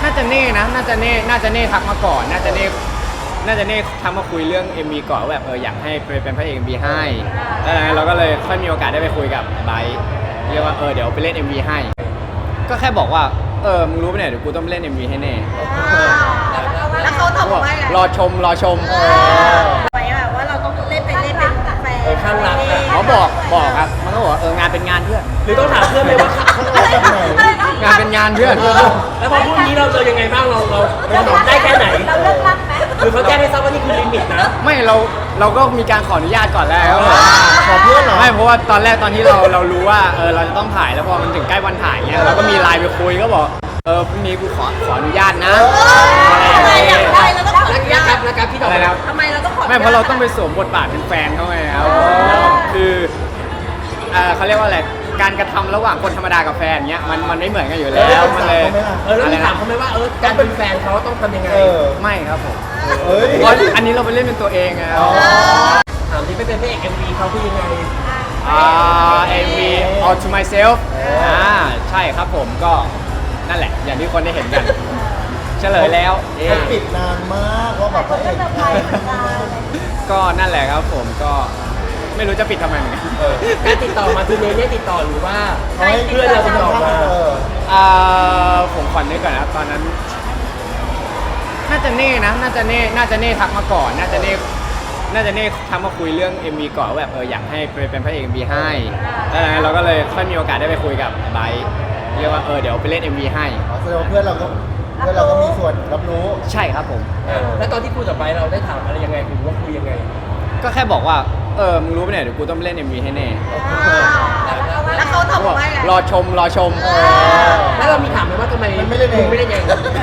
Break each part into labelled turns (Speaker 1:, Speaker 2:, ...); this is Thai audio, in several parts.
Speaker 1: น่าจะเน่นะน่าจะเน่ทักมาก่อนน่าจะเน่ทักมาคุยเรื่อง MV ก่อนว่าแบบอยากให้เป็นพระเอก MV ให้แล้วเราก็เลยค่อยมีโอกาสได้ไปคุยกับไบร์ทเรียกว่าเดี๋ยวไปเล่น MV ให้ก็แค่บอกว่ามึงรู้ปะเนี่ยเดี๋ยวกูต้องไปเล่น MV ให้แน่
Speaker 2: แล้วเขาตอบว่าไง
Speaker 1: รอชม
Speaker 2: ไว้ว่าเราต้องเล่นเป็นแฟน
Speaker 3: ข้างรัก
Speaker 1: เขาบอกครับมันก็บอกว่างานเป็นงานเพื่อน
Speaker 3: หรือต้องถามเพื่อนไหมว่าข้างรักแบบไหน
Speaker 1: งานเป็นงานเพื่อน
Speaker 3: แล้วพอพรุ่งนี้เราจะยังไงบ้างเราได้แค่ไหน
Speaker 2: เราเลิกรักไหม
Speaker 3: หรือเขาแจ้งให้ทราบว่านี่คือลิมิตนะ
Speaker 1: ไม่เราก็มีการขออนุญาตก่อนแล้ว
Speaker 3: ขอเพื่อนเหรอ
Speaker 1: ไม่เพราะว่าตอนแรกตอนที่เรารู้ว่าเราจะต้องถ่ายแล้วพอมันถึงใกล้วันถ่ายเงี้ยเราก็มีไลน์ไปคุยก็บอกพรุ่งนี้กูขออนุญาตนะ
Speaker 2: อะไรอย่างไรเราต้องขออนุญาต
Speaker 3: นะครับพี่ดอก
Speaker 2: ทำไมเราต้องขอ
Speaker 1: ไม่เพราะเราต้องไปสวมบทบาทเป็นแฟนเขาไงครับคือเขาเรียกว่าอะไรการกระทำระหว่างคนธรรมดากับแฟนเงี้ยมันไม่เหมือนกันอยู่แล้วมันเลย
Speaker 3: แล้วถามเขาไหมว่าการเป็นแฟนเขาต้องทำยังไง
Speaker 1: ไม่ครับผมเพราะอันนี้เราไปเล่นเป็นตัวเองไง
Speaker 3: ถามที่ไม่เป็นพระเอก MV เขาคือยังไง
Speaker 1: MV All to Myself ใช่ครับผมก็นั่นแหละอย่างที่คนได้เห็นกันเฉลยแล้ว
Speaker 4: ปิดนานมากว่าแบบพระเอก
Speaker 1: ก็นั่นแหละครับผมก็ไม่รู้จะปิดทำไมเหมือนกัน
Speaker 3: การติดต่อมาคือเนี่ยติดต่อหรือว่าให้เพื่อนเราติดต่อมา
Speaker 1: ผมขวัญนึกก่อนนะตอนนั้นน่าจะเน่นะน่าจะเน่ทักมาก่อนน่าจะเน่ทักมาคุยเรื่อง MV ก่อนว่าแบบอยากให้เป็นพระเอก MV ให้แล้วเราก็เลยค่อยมีโอกาสได้ไปคุยกับไบร์ทเรียกว่าเดี๋ยวไปเล่น MV ให้
Speaker 4: แสดงว่าเพื่อนเราก็มีส่วนรับรู้
Speaker 1: ใช่ครับผม
Speaker 3: แล้วตอนที่คุยกับไบร์ทเราได้ถามอะไรยังไงหรือว่าคุยยังไง
Speaker 1: ก็แค่บอกว่ามึงรู้ปะเนี่ยเดี๋ยวกูต้องไปเล่น MV ให้แน่
Speaker 2: แล้วเขาตอบว่าไง
Speaker 1: รอชม
Speaker 3: แล้วเรามีถามไหมว่าทำไม
Speaker 4: ไม่เล่นเอง
Speaker 3: ไม่ได้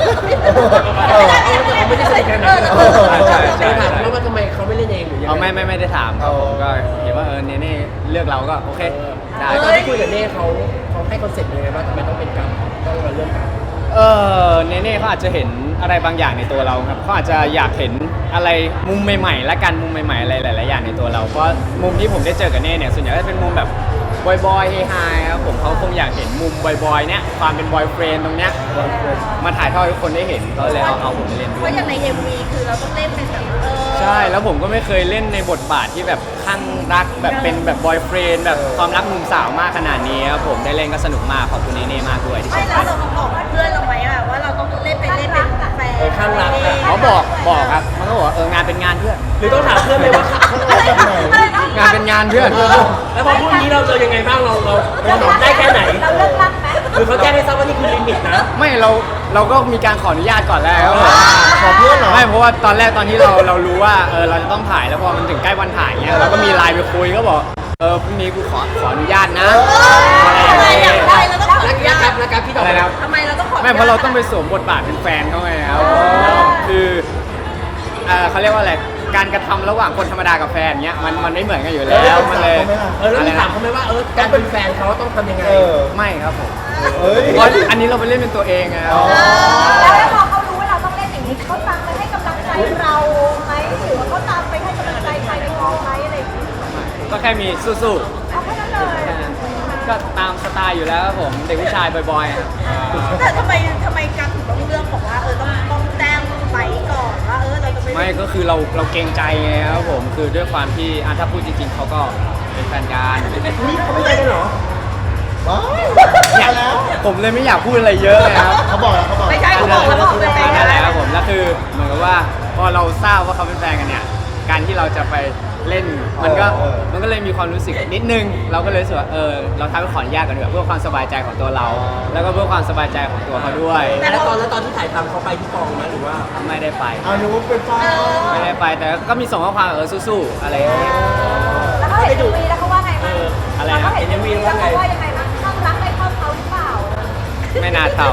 Speaker 3: ใส่กันนะถามว่าทำไมเขาไม่เล่นเองหรือยังไง
Speaker 1: ไม่ได้ถามครับผมก็เห็นว่าเน่เลือกเราก็โอเคได้
Speaker 3: ตอนที่คุยกับเน่เขาให้คอนเซ็ปต์ยังไงว่าทำไมต้องเป็นกันต้องมาเรื่องกัน
Speaker 1: เน่เขาอาจจะเห็นอะไรบางอย่างในตัวเราครับเขาอาจจะอยากเห็นอะไรมุมใหม่ๆและกันมุมใหม่ๆอะไรหลายๆอย่างในตัวเราเพราะมุมที่ผมได้เจอกับเน่เนี่ยส่วนใหญ่ก็จะเป็นมุมแบบบอยเฮฮาครับผมเขาคงอยากเห็นมุมบอยเนี่ยความเป็นบอยเฟรนด์ตรงเนี้ยมาถ่ายทอดให้ทุกคนได้เห็นก็เลยเอาผมไปเล่นด้วย
Speaker 2: เพราะอย่างใน MV คือเราต้องเล่นเป็นแบบ
Speaker 1: ใช่แล้วผมก็ไม่เคยเล่นในบทบาทที่แบบข้างรักแบบเป็นแบบบอยเฟรนด์แบบความรักมุมสาวมากขนาดนี้ครับผมได้เล่นก็สนุกมากขอบคุณเน่มากด้วยที่ชม
Speaker 2: แล้วเราบอกเพื่อนเราไหมว่าเราต้องเล่นเป็นแฟน
Speaker 3: ข้างรัก
Speaker 1: เขาบอกครับมันก็บอกงานเป็นงานเพื่อน
Speaker 3: หรือต้องถามเพื่อนไหมว่าข้างรักแบบไหน
Speaker 1: งานเป็นงานเพื่อน
Speaker 3: แล้วพอพรุ่งนี้เราจะยังไงบ้างเราได้แค่ไหน
Speaker 2: เราเลิกรักไหม
Speaker 3: หรือเขาแจ้งให้ทราบว่านี่คือลิมิตนะ
Speaker 1: ไม่เราก็มีการขออนุญาตก่อนแล้ว
Speaker 4: ขอเพื่อนเหรอ
Speaker 1: ไม่เพราะว่าตอนแรกตอนที่เรารู้ว่าเราจะต้องถ่ายแล้วพอมันถึงใกล้วันถ่ายเงี้ยเราก็มีไลน์ไปคุยก็บอกพรุ่งนี้กูขออนุญาตนะ
Speaker 2: อะไรอย่างไรเราต้องขออนุญาต
Speaker 3: นะครับพี่ดอก
Speaker 2: ทำไมเราต้องขอ
Speaker 1: ไม่เพราะเราต้องไปสวมบทบาทเป็นแฟนเขาไงครับคือเขาเรียกว่าอะไรการกระทำระหว่างคนธรรมดากับแฟนเงี้ยมันไม่เหมือนกันอยู่แล้วมันเลย
Speaker 3: แล้วถามเขาไหมว่าการเป็นแฟนเขาต้องทำยังไง
Speaker 1: ไม่ครับผมเพราะอันนี้เราไปเล่นเป็นตัวเองไง
Speaker 2: แล้วพอเขารู้ว่าเราต้องเล่นอย่างนี้เขาตามไปให้กำลังใจเราไหมหรือว่าเขาตามไปให้กำลังใจใครในกองไหมอะไรอย่างนี้
Speaker 1: ก็แค่มีสู้
Speaker 2: ๆเอาแค่นั้นเลย
Speaker 1: ก็ตามสไตล์อยู่แล้วครับผมเด็กผู้ชายบ่อย
Speaker 2: ๆแต่ทำไมการถึงต้องเลือกบอกว่าต้องแจ้งไปก่อนว่าเราจะ
Speaker 1: ไม่ก็คือเราเกรงใจไงครับผมคือด้วยความที่ถ้าพูดจริงๆเขาก็เป็นแฟนกัน
Speaker 4: นี่เขาไม่ใช่กันเหรอว้าวแล้ว
Speaker 1: ผมเลยไม่อยากพูดอะไรเยอะเลยครับ
Speaker 4: เขาบอก
Speaker 2: ไม่ใช่เขาบอก
Speaker 1: นั่นแหละครับผมแล้วคือเหมือนกับว่าพอเราทราบว่าเขาเป็นแฟนกันเนี่ยการที่เราจะไปเล่นมันก็เลยมีความรู้สึกนิดนึงเราก็เลยรู้สึกว่าเราทำให้ขออนุญาตกันดีกว่าเพื่อความสบายใจของตัวเราแล้วก็เพื่อความสบายใจของตัวเขาด้วย
Speaker 3: แล้วตอนที่ถ่ายทำเขาไปที่กองไหมหรือว่า
Speaker 1: ไม่ได้ไป
Speaker 4: นึกว่าเป็นฟ้า
Speaker 1: ไม่ได้ไปแต่ก็มีส่งข้อความสู้ๆอะไรอย่างเงี้ย
Speaker 2: แล้วเขาเห็นวีแล้วเขาว่าไงบ้าง
Speaker 1: อะไรนะ
Speaker 2: เห็นวีแล้วเขาว่ายังไงบ้างข้างรักได้เข้าเขาหรือเปล่า
Speaker 1: ไม่น่าเท่า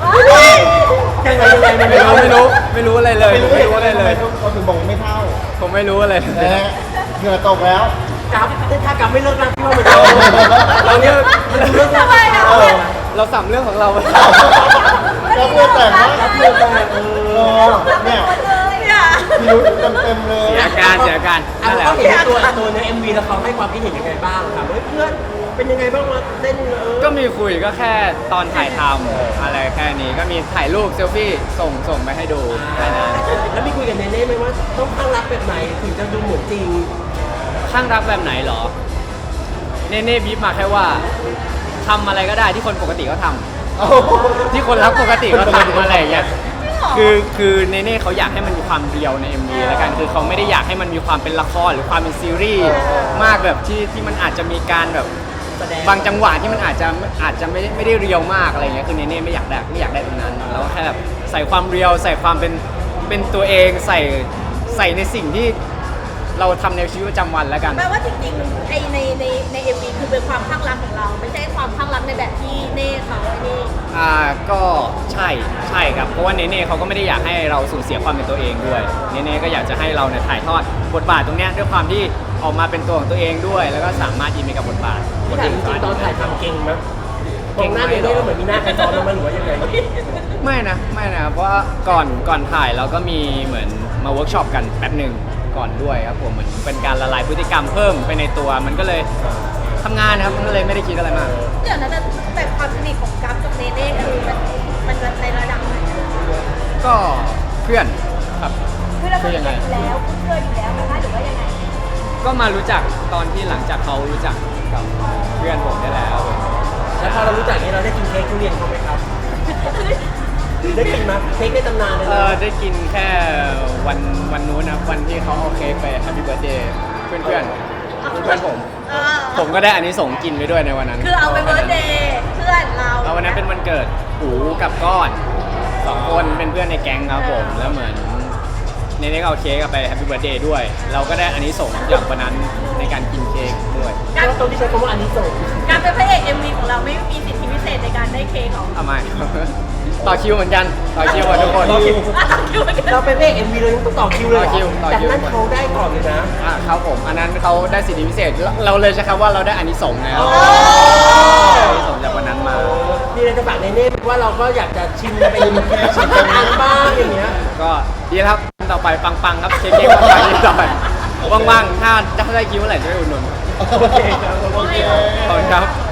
Speaker 4: ยังไง
Speaker 1: ไม่รู้อะไรเลยไม่รู้อะไรเลย
Speaker 4: เขาถึงบอกไม่เท่า
Speaker 1: ผมไม่รู้อะไร
Speaker 4: เหงื่อตกแล้ว
Speaker 3: ถ้ากำไม่เลิกรักพี่ว่าเหมือนกัน
Speaker 1: เราเนี่ย
Speaker 3: เลิกรัก
Speaker 1: เราสัมเรื่องของเรา
Speaker 4: แล้วเพื่อนแต่งนะเพื่อนแต่งเนี่ยพิรุธเต็มเลย
Speaker 1: เสียการ
Speaker 3: นั่นแหละเขาเห็นตัวใน MV แล้วเขาให้ความคิดเห็นยังไงบ้างถามเพื่อนเป็นยังไงบ้างวะเต้น
Speaker 1: ก็มีคุยก็แค่ตอนถ่ายทำอะไรแค่นี้ก็มีถ่ายรูปเซลฟี่ส่งไปให้ดูแค่นั้น
Speaker 3: แล้วมีคุยกับเนเน่ไหมว่าต้องข้างรักแบบไหนถึงจะดูเหมือนจริง
Speaker 1: ข้างรักแบบไหนเหรอ เน่บีบมาแค่ว่าทำอะไรก็ได้ที่คนปกติเขาทำที่คนรักปกติเขาทำอะไรอย่างเงี้ยคือเน่เขาอยากให้มันมีความเรียวใน MV แล้วกันคือเขาไม่ได้อยากให้มันมีความเป็นละครหรือความเป็นซีรีส์มากแบบที่มันอาจจะมีการแบบ
Speaker 3: แสดง
Speaker 1: บางจังหวะที่มันอาจจะไม่ได้เรียวมากอะไรเงี้ยคือเน่ไม่อยากได้ตรงนั้นแล้วแค่แบบใส่ความเรียวใส่ความเป็นตัวเองใส่ในสิ่งที่เราทำในชีวิตประจำวันแล้วกัน
Speaker 2: แปลว่าจริงๆไอในเอ็มวีคือเป็นความข้างรักของเรา ไม่ใช่ความข้างรักในแบบที่เน่เขาไอ้นี่
Speaker 1: ก็ใช่ครับเพราะว่าเน่เขาก็ไม่ได้อยากให้เราสูญเสียความเป็นตัวเองด้วยเน่ก็อยากจะให้เราเนี่ยถ่ายทอดบทบาทตรงเนี้ยด้วยความที่ออกมาเป็นตัวของตัวเองด้วย แล้วก็สามารถอินไปกับบทบาท
Speaker 3: ที่ถ่ายจริงๆตอนถ่ายทำเก่งไหมตรงหน้าเนเน่ก็เหมือนมีหน้าใครซ้อนลงมาหรือว่ายังไง
Speaker 1: ไม่นะเพราะว่าก่อนถ่ายเราก็มีเหมือนมาเวิร์กช็อปกันแป๊บหนึ่งก่อนด้วยครับผมเหมือนเป็นการละลายพฤติกรรมเพิ่มไปในตัวมันก็เลยทำงานนะครับมันก็เลยไม่ได้คิดอะไรมาก
Speaker 2: เดี๋ยวนะแต่ความสนิทของกัฟกับเนเน่คือมันในระดับไหน
Speaker 1: ก็เพื่อนครับ
Speaker 2: คือเราสนิทกันอยู่แล้วคุ้นเคยอยู่แล้วนะคะหรือว่ายังไง
Speaker 1: ก็มารู้จักตอนที่หลังจากเขารู้จักกับเพื่อนผมได้แล้ว
Speaker 3: แล้วพอเรารู้จักนี้เราได้กินเค้กทุเรียนเขาไหมครับ ได้กินไหมเค้กในตำนานเลยนะ
Speaker 1: ได้กินแค่วันนู้นนะวันที่เขาเอาเค้กไป Happy Birthday เพื่อนผม ผมก็ได้อันนี้ส่งส์กินไปด้วยในวันนั้น
Speaker 2: คือเอาไปเบิร์ธเดย์เพื่อนเรา
Speaker 1: แล้ววันนั้นเป็นวันเกิดหูกับก้อน2 คนเป็นเพื่อนในแก๊งครับผมแล้วเหมือนเนเน่ก็เอาเค้กไป Happy Birthday ด้วย เราก็ได้อันนี้ส่งส์จากวันนั้นในการกินเค้กด้วย
Speaker 3: การตรงที่ใช้คำว่าอันนี้ส่ง
Speaker 2: การเป็นพระเอก MV ของเราไม่มีสิทธิพิเศษในการได้เค้กของ
Speaker 1: ทำไม ต่อคิวเหมือนกันต่อคิวหมดทุกคน
Speaker 3: ต่อคิว
Speaker 2: คิวเหมือนกัน
Speaker 3: เราเป็นพระเอก MV เลยต้องต่อคิวเลยเหรอ
Speaker 1: ต่อ
Speaker 3: แต่
Speaker 1: คิว
Speaker 3: นั้นเขาได้ก่อนเลยนะ
Speaker 1: ครับผมอันนั้นเขาได้สิทธิพิเศษเราเลยใช้คำว่าเราได้อานิสงส์นะครับอานิสงส์จากวันนั้นมา
Speaker 3: มีอะไรจะฝากเนเน่ว่าเราก็อยากจะชิมเป็นชิมเป็นอันบ้างอย่างเงี้ย
Speaker 1: ก็ดีแล้วครับต่อไปปังๆครับเค้กๆปังๆนี่ต่อไปว่างๆถ้าได้คิวเมื่อไหร่จะไปอุดหนุน
Speaker 3: โอเคครับ
Speaker 4: โอเค
Speaker 1: ขอบคุณครับ